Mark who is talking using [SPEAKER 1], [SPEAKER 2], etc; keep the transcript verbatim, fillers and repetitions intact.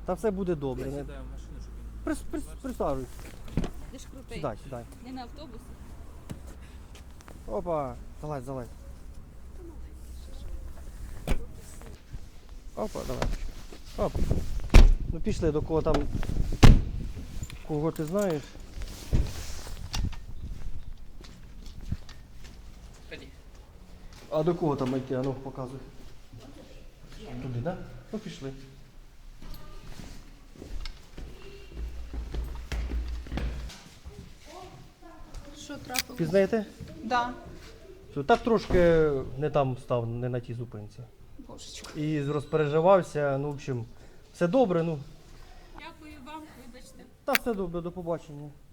[SPEAKER 1] Та все буде добре.
[SPEAKER 2] Я
[SPEAKER 1] Не...
[SPEAKER 2] сідаю в машину, щоб він...
[SPEAKER 1] Прис, прис, присаджуйся.
[SPEAKER 3] Ти ж крутий.
[SPEAKER 1] Сідай, сідай.
[SPEAKER 3] Не на автобусі.
[SPEAKER 1] Опа, залазь, залазь. Опа, давай. Оп. Ну пішли до кого там. Кого ти знаєш?
[SPEAKER 2] Ході.
[SPEAKER 1] А до кого там йти? А ну показуй. Туди, так? Да? Ну пішли.
[SPEAKER 3] Що трапилось?
[SPEAKER 1] Пізнаєте?
[SPEAKER 3] Да.
[SPEAKER 1] Що, так трошки не там став, не на тій зупинці.
[SPEAKER 3] Божечко.
[SPEAKER 1] І розпереживався, ну, в общем, все добре, ну.
[SPEAKER 3] Дякую вам, вибачте.
[SPEAKER 1] Та все добре, до побачення.